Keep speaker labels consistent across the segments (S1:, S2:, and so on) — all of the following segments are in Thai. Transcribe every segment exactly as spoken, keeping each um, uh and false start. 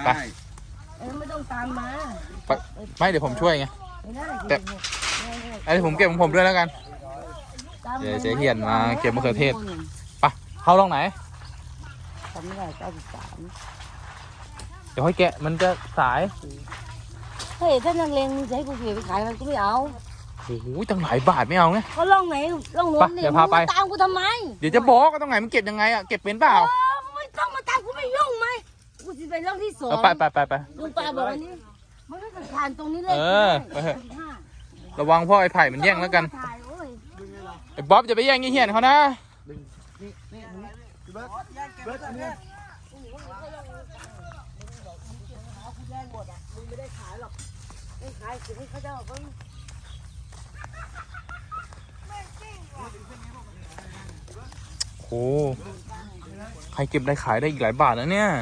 S1: ไป
S2: ไม่ต้องตามมา
S1: ไม่เดี๋ยวผมช่วยไงแต่ไอ้ผมเก็บของผมด้วยแล้วกันเดี๋ยวเจ๊เฮียนมาเก็บมะเขือเทศไปเข้าลองไหน
S2: ทำไม่ได้เก้าสิบสาม
S1: เดี๋ยวให้แกะมันจะสาย
S2: เฮ้ยถ้านักเลงมึงจะให้กูเก็บไปขายมันก็ไม่เอา
S1: โอ้โหตั้งหลายบาทไม่เอาไง
S2: ก็ล่องไหนล่องโน้น
S1: เดี๋ยวพาไป
S2: ตามกูทำไม
S1: เดี๋ยวจะบอกก็ต้องไหนมันเก็บยังไงอะเก็บเป็นเปล่า
S2: ไม่ต้องมาตามกูไม่ยุ่งไหมกูจะไปล่องที่สอง
S1: ไปไปไปไป
S2: ลุงป้าบอกวันนี้มันก็จะผ่านตรงนี้เลย
S1: เออไปเถอะระวังพ่อไอ้ไผ่มันแย่งแล้วกันไอ้บ๊อบจะไปแย่งยี่เหียนเขานะโอ้ใครเก็บได้ขายได้อีกหลายบาทแล้วเนี่ย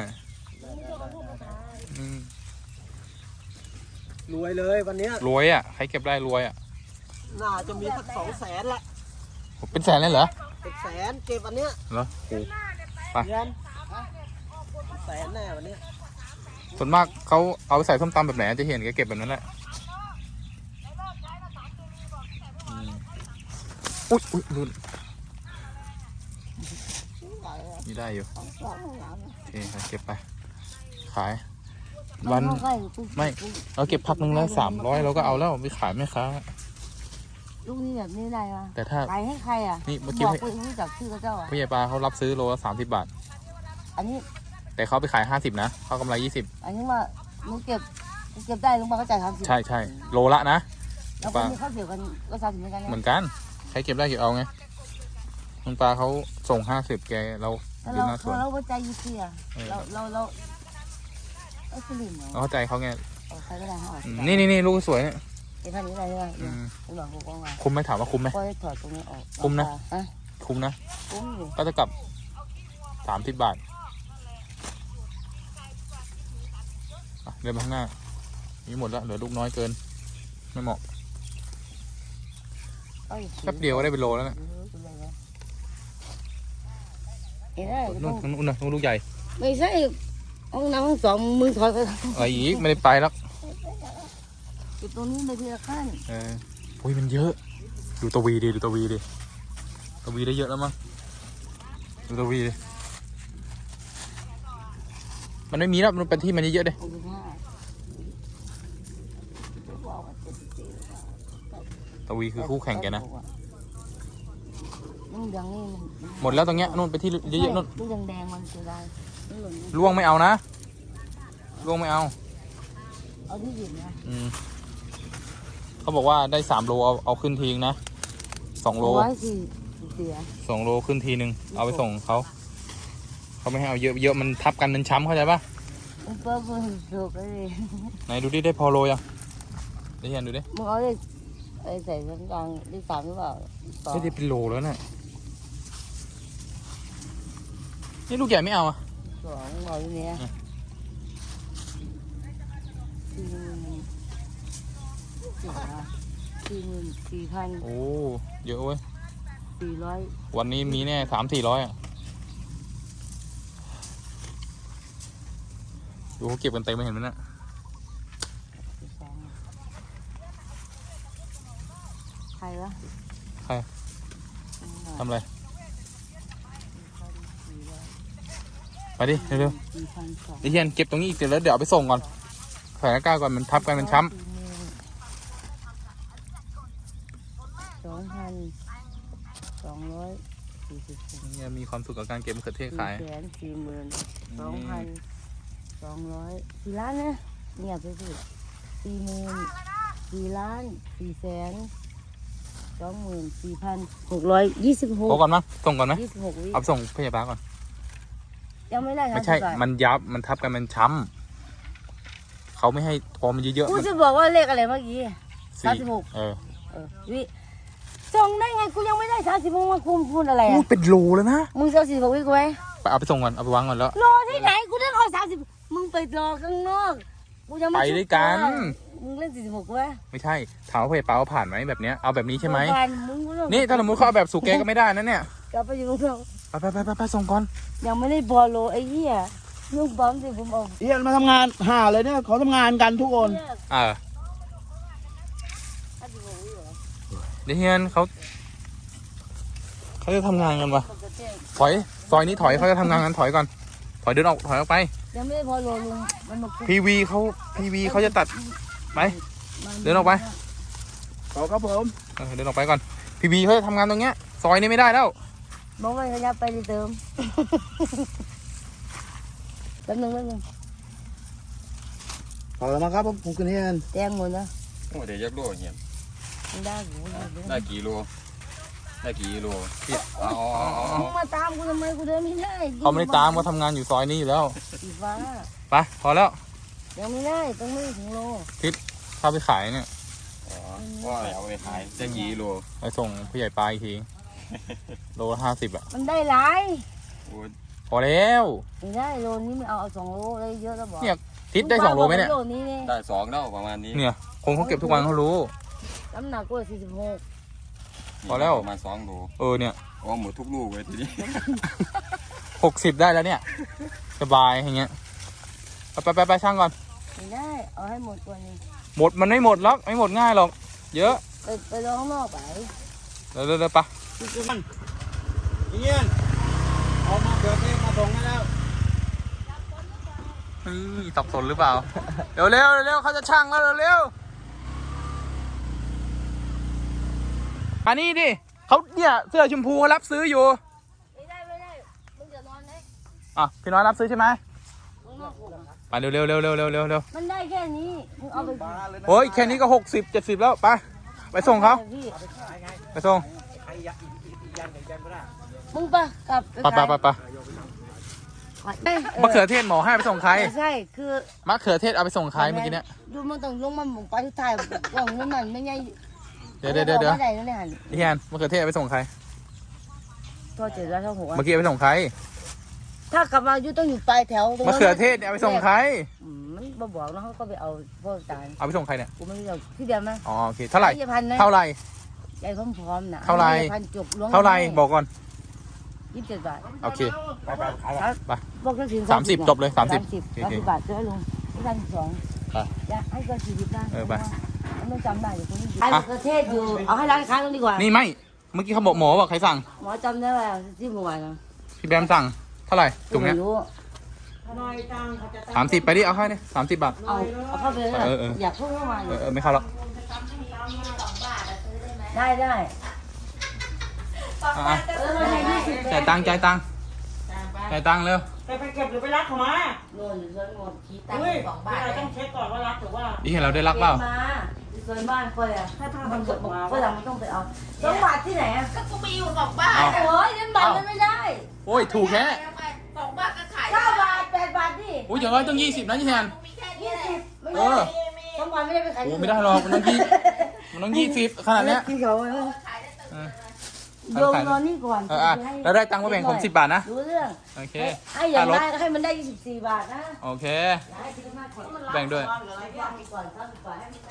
S3: รวยเลยวันนี้
S1: รวยอ่ะใครเก็บได้รวยอ่ะ
S3: น่าจะมีสักสองแสนแหละ
S1: เป็นแสนเลยเหรอ
S3: เป็นแสนเก็บวันเนี้ย
S1: เหรอโอ้ไป
S3: แสนแน่วันนี้
S1: ส่วนมากเขาเอาไปใส่ส้มตำแบบไหนจะเห็นแกเก็บแบบนั้นแหละอุ๊ยอุ๊ยรุ่นนี่ได้อยู่โอเคเก็บไปขายวันไม่เราเก็บพักนึงแล้วสามร้อยเราก็เอาแล้วไปขายไม่ค้า
S2: ลูกนี้แบบนี้ได้ปะ
S1: แต่ถ้า
S2: ขายให้ใครอ่ะ
S1: นี่เมื่อกี้
S2: บอกไปรู้จักชื่อเจ้าอ่ะ
S1: พี่ใหญ่ปลาเขารับซื้อโลละสามสิบบาท
S2: อันนี้
S1: แต่เขาไปขายห้าสิบนะเขากำไรยี่สิบ
S2: อันนี้ว่ามึงเก็บเก็บได้ลุงป้าเขาจ่ายสามสิบ
S1: ใช่ใช่โลละนะ
S2: แล้วคนที่เขาเกี่ยวกันก็สามสิบเหมือนกัน
S1: เหมือนกันใครเก็บได้เก็บเอาไงลุงปลาเขาส่งห้าสิบแกเรา
S2: เราเราเราใจยี่สิบอ่ะเราเราเราเออสลิมเหรอ
S1: เข้าใจเขาไง
S2: ใครก็ได้เขา
S1: นี่นี่นี่ลูกสวยเนี่ย
S2: เก็บท่านี้ได้ไหมคุณหลอกกูกองมา
S1: คุ้มไหมถามว่าคุ้มไหม
S2: ก็ได้ถอดตรงนี้ออก
S1: คุ้มนะคุ้มนะก็จะกลับสามสิบบาทเดินไปข้างหน้านี่หมดแล้วเหลือลูกน้อยเกินไม่เหมาะแป๊บเดียวก็ได้เป็นโลแล้วนะนู่นนู่นนู่นลูกใหญ่
S2: ไม่ใช่ห้องน้ำห้องสองมือถอยไป
S1: อะไรอีกไม่ได้ไปแล้ว
S2: จุดตรงนี้เลยทีละขั้น
S1: เออโอ้ยมันเยอะดูตะวีดิดูตะวีดิตะวีได้เยอะแล้วมั้งดูตะวีดิมันไม่มีแล้วมันเป็นที่มันเยอะๆเลยตะวีคือคู่แข่งแกนะหมดแล้วตรงเนี้ยนู่นไปที่เยอะๆนู่น
S2: ลูกแดงๆมันเสียดาย
S1: ล่วงไม่เอานะล่วงไม่เอา
S2: เอาที่หยิบนะ
S1: อืมเขาบอกว่าได้สามโลเอาเอาขึ้นทีนึงนะสองโลสองโลขึ้นทีนึงเอาไปส่งเขาเขาไม่ให้เอาเยอะเยอะมันทับกันเป็นช้ำเข้าใจปะไหนดูดิได้พอโลยังได้เห็นดูดิ
S2: มึงเอาได้ใส่ชั้นกลางได้สามหรือเปล่า
S1: ไม่ได้เป็นโลแล้วน่ะนี่ลูกใหญ่ไม่เอาอ่ะ
S2: สองโลนี้สี่หมื่นสี่พัน
S1: โอ้เยอะเว้ย
S2: สี่ร้อย
S1: วันนี้มีแน่สามสี่ร้อยอ่ะดูเขาเก็บกันเต็มไม่เห็นมั้ยน่ะ
S2: ใครวะ
S1: ใครทำอะไรไปดิเร็วๆไอ้เฮียนเก็บตรงนี้อีกเดี๋ยวแล้วเดี๋ยวเอาไปส่งก่อนใส่หน้ากากก่อนมันทับกันมันช้ำ
S2: สองพันสองร้อยสี่สิบ
S1: เนี่ยมีความสุขกับการเก็บมะเขือเทศขาย
S2: แสนสี่หมื่นสองพันสองร้อยสี่ล้านนะเนี่ยไปสิสี่หมื่นสี่ล้านสี่แสนสองหมื่นสี่พันหกร้อยยี่สิบหก
S1: โอ้ก่อนมั้งส่งก่อนไหม
S2: ยี่สิบหกวิ
S1: เอาส่งพยาบาลก่อน
S2: ยังไม่ได้
S1: ไม่ใช่มันยับมันทับกันมันช้ำเขาไม่ให้พอมันเยอะๆ
S2: กูจะบอกว่าเลขอะไรเมื่อกี้สามสิบหก
S1: เออ
S2: เออวิส่งได้ไงกูยังไม่ได้สามสิบหกมาคุมพูดอะไรอ่ะ
S1: เป็นโลแล้วนะ
S2: มึงจะสี่สิบหกวิกูไหม
S1: ไปเอาไปส่งก่อนเอาไปวางก่อนแล้ว
S2: รอที่ไหนกูได้รอสามสิบมึงไปรอข้างนอกกูยังไม่
S1: ไปด้วยกัน
S2: มึงเล่นสี่สิบหกกูไหม
S1: ไม่ใช่ถามว่าพยาบาลผ่านไหมแบบเนี้ยเอาแบบนี้ใช่ไหมนี่ถ้าสมมติ
S2: เขา
S1: เอาแบบสุกแกก็ไม่ได้นะเนี่ย
S2: กลับไปอยู่ตรง
S1: ไปไปไปไปส่งก่อน
S2: ยังไม่ได้บอลโลไอ้เหี้ยลูกบอมสิผมเอา
S4: เฮียมาทำงานหาเลยเนี่ยเขาทำงานกันทุกคน
S1: เออเดี๋ยวเฮียนเขาเขาจะทำงานกันวะถอยซอยนี้ถอยเขาจะทำงานกันถอยก่อนถอยเดินออกถอยออกไป
S2: ยังไม่ได้พอโลลุงมันบอก
S1: พีวีเขาพีวีเขาจะตัดไปเดินออกไป
S4: ขอครับผม
S1: เออเดินออกไปก่อนพีวีเขาจะทำงานตรงเนี้ยซอยนี้ไม่ได้แล้ว
S2: บอกว่าขยับไปเติมแป๊บนึงแป๊บนึง
S4: ขอแล้วมาครับผมผมคุณเฮียน
S2: แตงหมดนะ
S5: โอ้เดี๋ยวยักโลเงี้ย
S2: มันได้หู
S5: ได้กี่โลได้กี่โลพี่อ๋ออ๋ออ๋อ
S2: มึงมาตามกูทำไมกูเดินไม่ได้
S1: เขาไม่ได้ตามเขาทำงานอยู่ซอยนี้อยู่แล้ว
S2: สีฟ้า
S1: ไปพอแล้ว
S2: ยังไม่ได้ต้องไม่ถึงโล
S1: ถ้าไปขายเนี่ย
S5: อ๋อว่าเอาไปขายได้กี่โล
S1: ไปส่งผู้ใหญ่ปลาอีกทีโลห้าสิบอ่ะ
S2: มันได้หลาย
S5: โอ้
S1: พอแล้ว
S2: ไม่ได้โลนี้ไม่เอาเอาสองโลเลยเยอะแล้วบอก
S1: เนี่ย ทิศได้สองโลไหมเนี่ย
S2: โลนี้เนี่ย
S5: ได้สองแล้วประมาณนี้
S1: เนี่ยคนเขาเก็บทุกวันเขารู้
S2: น้ำหนักกูสี่สิบหก
S1: พอแล้ว
S5: ประมาณสองโล
S1: เออเนี่ย
S5: อ๋อหมดทุกลูกเลยทีนี้
S1: หกสิบได้แล้วเนี่ยสบายอย่างเงี้ยไปไปไปไปช่างก่อน
S2: ไม่ได้เอาให้หมดตัวนี้
S1: หมดมันไม่หมดหรอกไม่หมดง่ายหรอกเยอะ
S2: ไปไปลองข้างนอกไป
S1: เร็วเร็วเร็วไป
S4: เฮียนเอามาเกิดเองมาส่งให้แล้ว
S1: นี่สับสนหรือเปล่าเร็วเร็วเร็วเขาจะช่างแล้วเร็วเร็วอันนี้ดิเขาเนี่ยเสื้อชมพูเขารับซื้ออยู่
S2: ไม่ได้ไม่ได้มึงจะนอนไหน
S1: อ่ะพี่น้อยรับซื้อใช่ไหม
S2: มึงนอกกู
S1: ไปเร็วเร็วเร็วเร็วเร็วเร็วเร็ว
S2: มันได้แค่นี้มึงเอาไป
S1: โอ้ยแค่นี้ก็หกสิบเจ็ดสิบแล้วไปไปส่งเขา
S2: พี่
S1: ไปส่ง
S2: มึงปะกลับ
S1: ไปไปไปไปมะเขือเทศหมอให้ไปส่งใคร
S2: ไม่ใช่คือ
S1: มะเขือเทศเอาไปส่งใครเมื่อกี้เนี่ย
S2: ดูมันต้องลงมาหมุงไปที่ไทยกล่องนู้นมันไม่ใช่
S1: เดี๋ยวเดี๋ยวเดี๋ยวเดี๋ยว
S2: ไม่ได้นั่นเลยหัน
S1: พี่แอนมะเขือเทศเอาไปส่งใคร
S2: ตัวเจ็ดร้อยเท่าหก
S1: เมื่อกี้เอาไปส่งใคร
S2: ถ้ากลับมาอยู่ต้องอยู่ปลายแถวตรง
S1: มะเขือเทศเนี่ยเอาไปส่งใคร
S2: อืมมันบ่บอกนะเขาก็ไปเอาพวกจาน
S1: เอาไปส่งใครเนี่ย
S2: กูไม่รู้จักพี่เดียวนะ
S1: อ๋อโอเคเท่าไหร่
S2: ยายพันนะ
S1: เท่าไหร่
S2: ยายพร้อมๆนะ
S1: เท่าไหร่
S2: ยายพันจุกล้วง
S1: เท่าไหร่บอกก่อน
S2: ยี่สิบเจ็ดบาท
S1: โอเค
S2: บอกก็ถึง
S1: สามสิบจบเลยสามสิบ
S2: สามสิบ
S1: โอเค
S2: สามสิบบาทเจอลุงที่พันสอง
S1: ไป
S2: จะให้ก็สี่สิบได้
S1: เออไป
S2: มันต้องจำได้อยู่ตรงนี้ขายมะเขือเทศอยู่เอาให้ร้านค้าตรงดีกว่า
S1: นี่ไม่เมื่อกี้เขาบอกหมอบอกใครสั่ง
S2: หมอจำได้ว่าที่เมื่อวานนะ
S1: พี่แบมสั่งเท่าไหร่ถุงเนี้ย
S2: ไม่รู้
S1: สามสิบไปดิเอาให้ดิสามสิบบาท
S2: เอาเอาเข้าไปเลย
S1: เออเออ
S2: อยากพูดเข้ามา
S1: เออเออไม่เข้าหรอก
S2: ได้ได้
S1: อ่ะอ่ะ
S2: เออให้ยี่สิบ
S1: จ่ายตังค์จ่ายตังค์จ่ายตังค์เร็ว
S6: ไปไปเก็บหรือไปรักเขามา
S2: โน่นอยู่ส่วนหมดขี้ตัง
S6: เฮ้ย
S2: ค์สองบาท
S6: เราต้องเช็คก่อนว่ารักหรือว่า
S1: นี่เห็นเราได้รักเปล่า
S2: มาอยู่ส่วนบ้านคอยอ่ะ
S6: ถ้าถ้า
S2: มั
S6: มัน น
S2: ก
S6: ก
S2: ด
S6: ด
S2: บอก
S6: มา
S2: ก็ยังไม่ต้องไปเอาสองบาทที่ไหนอ่ะ
S7: ก็กูไปอยู่สองบาท
S1: เอา
S2: โอ้ยเงินบาทมันไม่ได้
S1: โอ้ยถูกแค่
S7: สองบาทก็ขาย
S2: เก้าบาทแปดบาทดิ
S1: โอ้ยอย่างน้อยต้องยี่สิบนะยี่แทน
S7: มีแค่นี้
S2: ยี่
S7: แหละ
S2: สิบไม่
S1: เอ
S2: ได้
S1: อ
S2: สองบาทไม่ได้ไปขาย
S1: โอ้ไม่ได้หรอกมันต้องยี่มันต้องยี่สิบขนาดเนี้ย
S2: ที่เขาเออ
S1: เออ
S2: โยมนอนนี่ก่อน
S1: เอออ่ะแล้วได้ตังค์มาแบ่งผมสิบบาทนะ
S2: รู้เรื่อง
S1: โอเค
S2: ให้อย่าง
S1: ค่ารถ
S2: ได้ก็ให้มันได้ยี่สิบสี่บาทนะ
S1: โอเค
S2: ให้คิดมากก่อน
S1: แบ่งด้วย
S2: ก่อนก่อนให้มัน